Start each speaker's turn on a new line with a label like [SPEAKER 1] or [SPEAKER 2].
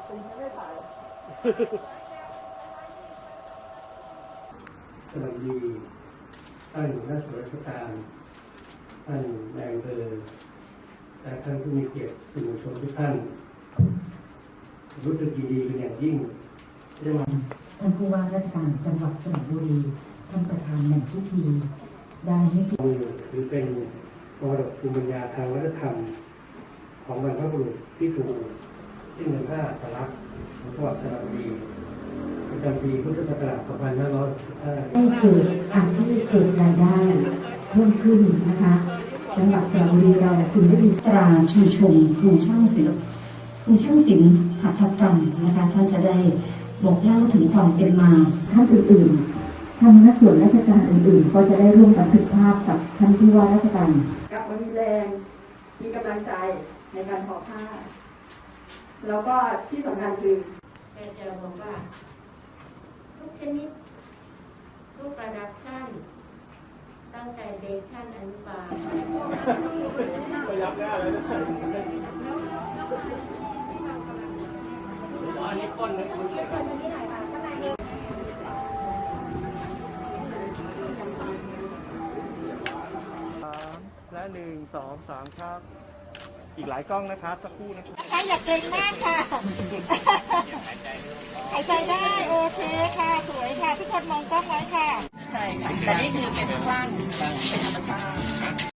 [SPEAKER 1] ตีไม่ได้ถ่าย
[SPEAKER 2] สวัสดีท่านนักส่วนราชการท่านนายอำเภอและท่านผู้มีเกียรติสื่อมวลชนทุกท่านรู้สึกยินดีเป็นอย่างยิ่งที่มา
[SPEAKER 3] ท่านผู้ว่าราชการจังหวัดสระบุรีท่านประธานในพิธีได้ให้เกียรติ
[SPEAKER 2] ถือเป็นมรดกภูมิปัญญาทางวัฒนธรรมของบรรพบุรุษที่ถูกที่เมืองท่าอัตลักษณ์ของจังหวัดสระบุรีประจำปีพุทธศักราช 2565
[SPEAKER 3] ให้เกิดอาชีพเกิดรายได้เพิ่มขึ้นนะคะจังหวัดสระบุรีเราถึงได้มีตราชูชมครูช่างศิลป์หัตถกรรมนะคะท่านจะได้บอกเล่าถึงความเป็นมาท่านอื่นๆทางนักส่วนราชการอื่นๆก็จะได้ร่วมบันทึกภาพกับท่านผู้ว่าราชการ
[SPEAKER 1] กลับมามีแรงมีกำลังใจในการทอผ้าแล้วก็ที่สำคัญคือ
[SPEAKER 4] แม่จะบอกว่าทุกชนิดทุกระดับชั้นตั้งแต่เด็กชั้นอนุบาล
[SPEAKER 5] ไปรับได้เลยนะอันนี้ก้นนะและ1 2 3ครับอีกหลายกล้องนะครับสักครู่นะครับ
[SPEAKER 6] อยากเก่งมากค่ะหายใจได้โอเคค่ะสวยค่ะทุกคนมองกล้องไว้ค่ะใช่ค่ะแต่นี่คือเป็นกว้างเป็นธรรมชาติ